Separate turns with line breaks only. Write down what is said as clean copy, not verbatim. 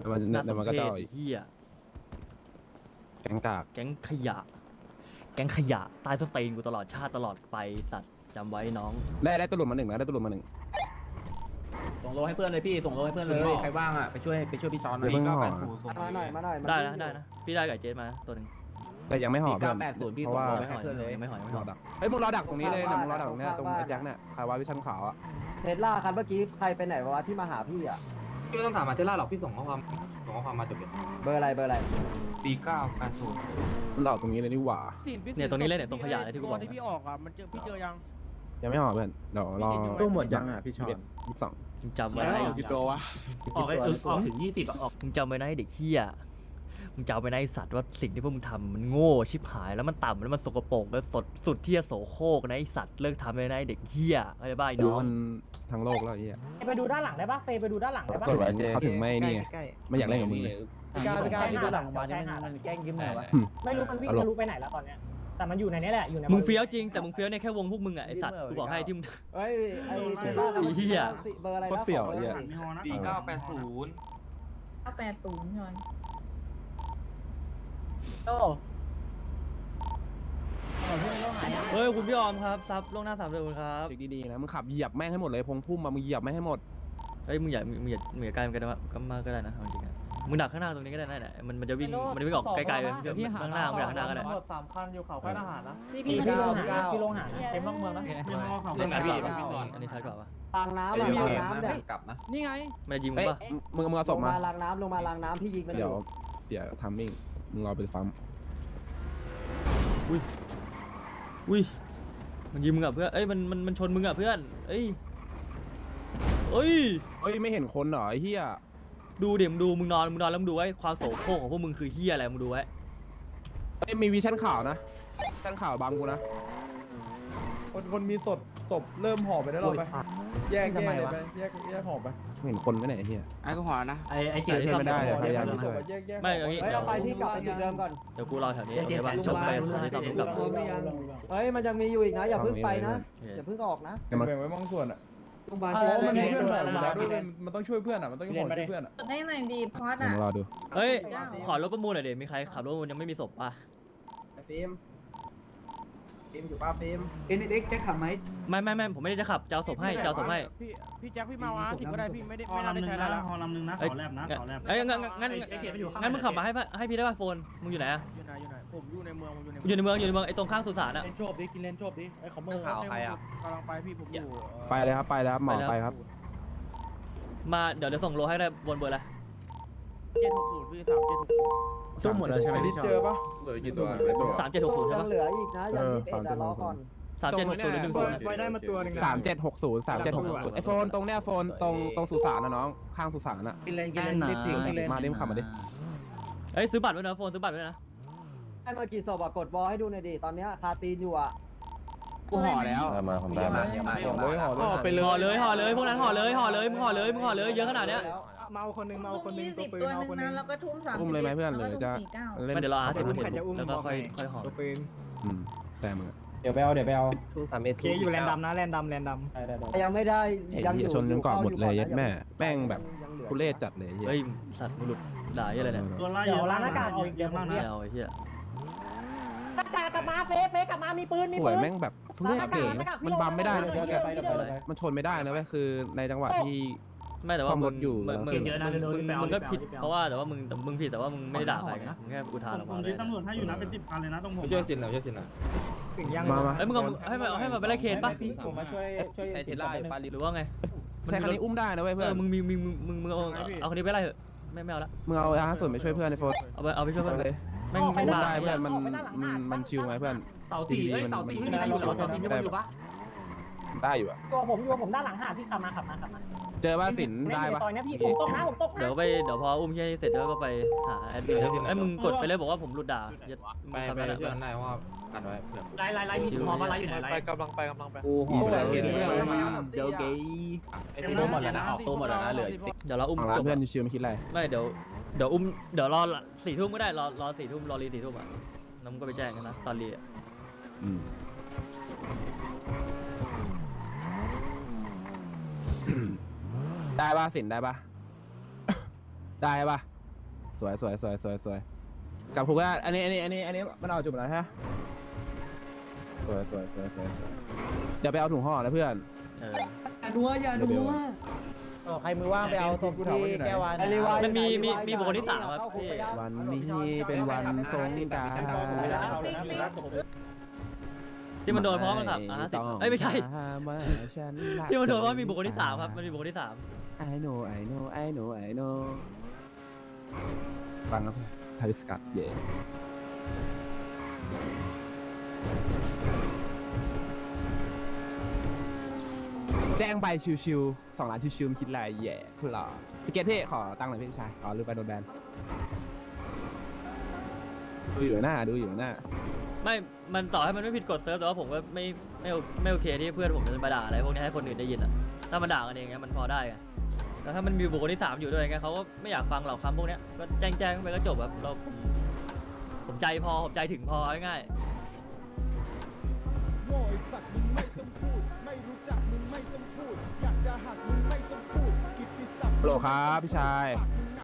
แต่มันก็เจ้าอีก
เฮีย
แกงกาก
แก๊งขยะใต้ส้นตีนกูตลอดชาติตลอดไปสัตว์จำไว้น้อง
ได้ตำรวจมาหนึ่งนะได้ตำรวจมาหนึ่ง
ส่งโลให้เพื่อนเลยพี่ส่งโลให้เพื่อนเลยใครว่างอ่ะไปช่วยพี่ช้อนหน่
เดี๋
อย
ยวเพิ่งห่อ
มาหน่อย
ได้นะพี่ได้กับเจสมาตัวหนึ่ง
แต่ยังไม่ห่อเพื่อน
4980พี่
เพราะว่า
ส่งโล ให้เพื่อนเลย
ไม่หอย
ห่อดักเฮ้ยมึงรอดักตรงนี้เลยนะมึงรอดักตรงเนี้ยตรงไอ้แจ็คเนี่ยคาวาวิชั่นขาวอ่ะ
เทสลาคันเมื่อกี้ใครไปไหนวะที่มาหาพี่อ่ะ
พี่ไม่ต้องถามมาเทล่าหรอกพี่ส่งข้อความมาจบเลย
เบอร์อะไร
4980
มันหลอกตรงนี้เลยนี่หว่า
เนี่ยตรงนี้เลยเนี่ยตรงขยะเลยที่กูบอก
ที่พี่ออกอ่ะมันเจอพี่เจอยัง
ยังไม่ห่อเพื่อนเดี๋ยวรอ
ตู้หมดยังอ่ะพี่ชอน
22
มึงจำไว้
กี่ตัววะ
ออกถึง20อ่ะออก
มึงจำไว้นะไอ้เด็กเฮียมึงจำไว้นะไอ้สัตว์ว่าสิ่งที่พวกมึงทำมันโง่ชิบหายแล้วมันต่ำแล้วมันสกปรกแล้วสุดที่จะโสโครกนะไอ้สัตว์เลิกทำเลยนะไอ้เด็กเฮียอะไรบ้าไอ้
ดู
น้อง
มันทั้งโลกแล้วไอ้เหี้ย
ไปดูด้านหลังได้ปะเฟไปดูด้านหลังได้ปะ
เขาถึงไม่นี่ไงไม่อยากเล่นกับมึงเลย
พี่กล้าพี่ดูหลังโรงพยาบาลนี่มันแกล้งยิ้มหน่อยวะ
ไม่รู้มันวิ่งทะลุไปไหนแล้วตอนเนี้ยแต่มันอยู่ในนี้แหละอยู่ใน
มึงเฟี้ยวจริงแต่มึงเฟี้ยวในแค่วงพวกมึงอ่ะไอ้สัตว์กูบอกให้ที่มึง
เฮ้ยไอ้เทสลาคันเมื่อกี้เบอร์อะไรนะ
4980
980ชอน
โอ้
เฮ้ยคุณพี่ออมครับซับล่วงหน้า3 เดือนครับ
เช็คดีๆนะมึงขับเหยียบแม่งให้หมดเลยพงพุ่มมามึงเหยียบแม่งให้หมด
เฮ้ยมึงอย่าใกล้มันก็ได้ก็มากก็ได้นะเอาจริงๆมึงดักข้างหน้าตรงนี้ก็ได้นะมันจะวิ่งออกไกลๆเลยข้างหน้ามึงดักข้างหน้าก็ได้
หมด3 คันอยู่เขาค่ายทหารนะ
พี่ลงหาเต็มนอกเมืองนะ
เล่นชัดกว่าอันนี้ชัดกว่าปะ
ล้างน้ำล้างน้ำเนี่ย
กลับนะ
นี่ไง
มันจะยิงมึ
เอ้
ง
ย
ปะ
มึงเอาศพมา
ล้างน้ำลงมาล้างน้ำพี่ยิงมันอ
เดี๋ยว
ยู่
เสียทัมมิ่งมึงรอไปฟัม
อุ้ยมันยิงมึงอ่ะเพื่อนเอ้ยมันชนมึงอ่ะเพื่อนเอ้ย
เฮ้ยไม่เห็นคนเหรอไอ้เหี้ย
ดูเดี๋ยวมึงดูมึงนอนแล้วมึงดูไว้ความโสโครกของพวกมึงคือเฮียอะไรมึงดูไว้
เอ้ยมีวิชั่นข่าวนะชั่นข่าวบังกูนะ
คนมีศพเริ่มห่อไปได้หรอไปแยกเลยไปแยกห่อไป
ไม่เห็นคนไปไหนไอ้เหี้ย
ไอ้ก็หัวนะ
ไอ้
เจอเพื่อนไม่ได้เลยพยายาม
มีศ
ช่
พ
วย
แยก
ไม่อย่างงี้
เฮ้ยเราไปพี่กลับไปจุดเดิมก่อน
เดี๋ยวกูรอแถวนี้โอเคป่ะชนไปอันนี้ซ้อมกลับมา
เฮ้ยมันยังมีอยู่อีกนะอย่าเพิ่งไปนะอย่าเพิ่งออกนะ
แบ่งไว้บางส่วนอ่ะเพราะมันมีเพื่อนห่ออยู่แล้วด้วยมันต้องช่วยเพื่อนอ่ะมันต้องห่อช่วยเพื่อนอ่ะ
ได้ไหนดีพอด
เดี๋ยว
อ่ะ
มารอดู
เฮ้ยขอรถประมูลหน่อยเดี๋ยวมีใครขับรถประมูลยังไม่มีศพป่ะ
ฟิล์มอยู่ป่ะฟิล์มเอ็กแจ็คขับไหม
ไม่ผมไม่ได้จะขับจะเอาศพให้จะเอาศพให้
พี่แจ็คพี่มาวะ10ก็ได้พี่ไม่ได้ใช้แล้ว
ฮอลำนึงนะ
เอ้ยงั้นมึงขับมาให้พี่ได้ป่ะโฟนมึงอยู่ไหนอะ
อยู่ไหนผมอยู่ในเมือง
อยู่ในเมืองไอ้ตรงข้างสุสานอะ
เล่นโชบดิกินเล่นโชบดิไอ้คอมเมอร์
ข่าวใครอ่ะ
กำลังไปพี่ผมอยู่
ไปเลยครับไปแล้วครับหมอไปครับ
มาเดี๋ยวส่งโลให้ได้บนเบอร์อะไร
760พี่3760
ตู้หมดแล้วใช่ไหมพี่ชอน
เจอปะ
เหลือกี่ตัว
3760ใช่
ยั
ปะ
งเหลืออีกนะยัง21รอก่อน
3760หรือ10
ไว้ได้มาตัวหนึ่ง
3760ไอโฟนตรงเนี้ยโฟนตรงสุสานนะน้องข้างสุสานอะ
กินเล่นนะ
มาเล่มขับมาดิ
เอ้ยซื้อบัตรไว้นะโฟนซื้อบัตรไว้นะ
ให้มากี่ศพอะกดวอลให้ดูหน่อยดิตอนนี้คาตีนอยู่อะ
กูห่อแล้ว
มาผมได้มา
ห่อไปเลย
ห่อเลยพวกนั้นห่อเลยมึงห่อเลยเยอะขนาดเนี้ย
เมาคนนึงเมาคนนึง
20 ตัวนึงนะแล้วก็ทุ่ม30
อุ้มเลยไหมเพื่อนหรือจะเล่น
ไม่เดี๋ยวรอ50นาทีแล้วก็ค่อยห่อ
ตัวปืน
แต่มึง
เดี๋ยวไปเอา
ทุ่ม31
เคอยู่แลนดำนะแลนดำ
ยังไม่ได้
ไอ้
ยังอ
เหี้ย
ยู่
ชนกันก่อนหมดเลยยัดแม่แม่งแบบทุเรศจัดเลย
เฮ้ยสัตว์มึงหลุดด่าเยอะเลยเนี่ย
เดี๋ยวร้านอากาศออกอีกเยอะมาก
ไม่
นะ
เอาไอ้เหี้ย
กลับมาเฟกลับมามีปืน
ป่วยแม่งแบบทุเรศเก๋มันบัมไม่ได้เลยมันชนไม่ได้นะเว้ยคือในจังหวะที่
ไม่แต่ว่า
ซ่อมรถอยู่
มึงก็ผิดเพราะว่าแต่ว่ามึงผิดแต่ว่ามึงไม่ได้ด่าใครไงมึงแค่อุทานออกมาเลย
ตำรวจถ้าอยู่นะเป็น10 คันเลยนะตรงผม
ช่วยสินหน่อยช่วยสินหน่อย
ถึงยัง
มา
เอ้ยมึงเอาให้มาไปไล่เคนป่ะ
ผมมาช่วย
ใช้เทล่าอยู่ปารี
หรือว่าไง
ใช้คันนี้อุ้มได้นะเว้ยเพื่อน
มึงเอาคนนี้ไปไล่เถอะไม่เอาละ
มึงเอาส่วนไปช่วยเพื่อนในโฟน
เอาไปช่วยเพื่อน
เลย
แม่ง
ไม่
ไม่
ได้
ได้
เพื่อนมันชิวไงเพื่อน
เต่าตีไม่มีใครอยู่เต่าตีไม่อยู่ปะ
ได้อยู่อะ
ตัวผมด้านหลังหาพี่ขับมา
เจอว่าสินได้ปะ
ซอยนี้พี่ผมตกนะ
เดี๋ยวพออุ้มเฮียเสร็จแล้วก็ไปหาแอดมินไอ้มึงกดไปเลยบอกว่าผมหลุดด่า
ไปเพื่อนได้เพราะว่ากันไว้เพื่อน
ไล่มีหมอมาไล่อยู่ไหนไล่
กำลังไป
กูห่อแล้วเดี๋ยวเกย์
ตัวหมดแล้วนะออกตัวหมดแล้วนะเหลืออีก10
เดี๋ยวเราอุ้ม
ของร้านเพื่อนชิวไม่คิดอะไร
ไม่เดี๋ยวอุ้มเดี๋ยวรอ4 ทุ่มก็ได้รอ4 ทุ่มรอรี4 ทุ่มอ่ะน้ำก็ไปแจ้งกันนะตอนรีอ่ะ
ได้ปะสินได้ปะได้ปะสวยกลับคุกแล้วอันนี้มันเอาจุดแล้วฮะสวยเดี๋ยวไปเอาถุงห่อแล้วเพื่อน
เออ
อย่านัวใครมือว่างไปเอาตรงที่แก้ววาน
มันมีบุคคลที่ 3 ครับพี่
วันนี้เป็นวันสงกรานต์
ที่มันโดนเพราะมันขับ50เอ้ยไม่ใช่ ที่มันโดนเพราะมีบุคคลที่ 3 ครับ มันมีบุคคลที่
I knowฟังครับทาวิสกัดเย่แจ้งใบชิวๆ2 ล้านชิวๆมันคิดอะไรแย่พวกเราพี่เกตพี่ขอตังค์หน่อยพี่ชายลืมไปโดนแบนดูอยู่หน้า
3 ไม่ มันต่อให้มันไม่ผิดกฎเซิร์ฟแต่ว่าผมก็ไม่โอเคที่เพื่อนผมจะมาด่าอะไรพวกนี้ให้คนอื่นได้ยินอ่ะถ้ามันด่ากันเองเงี้ยมันพอได้ไงแต่ถ้ามันมีบุคคลที่ 3อยู่ด้วยไงเขาก็ไม่อยากฟังเหล่าคำพวกเนี้ยก็แจ้งไปก็จบแบบผมใจพอผมใจถึงพอง่ายๆ
โง่ไอ้สัตว์มึงไม่ต้องพูดไม่รู้จักมึงไม่ต้องพูดอยากจะหักมึงไม่ต้องพูดกิตติศัพท์
โหลครับพี่ชาย
ปาก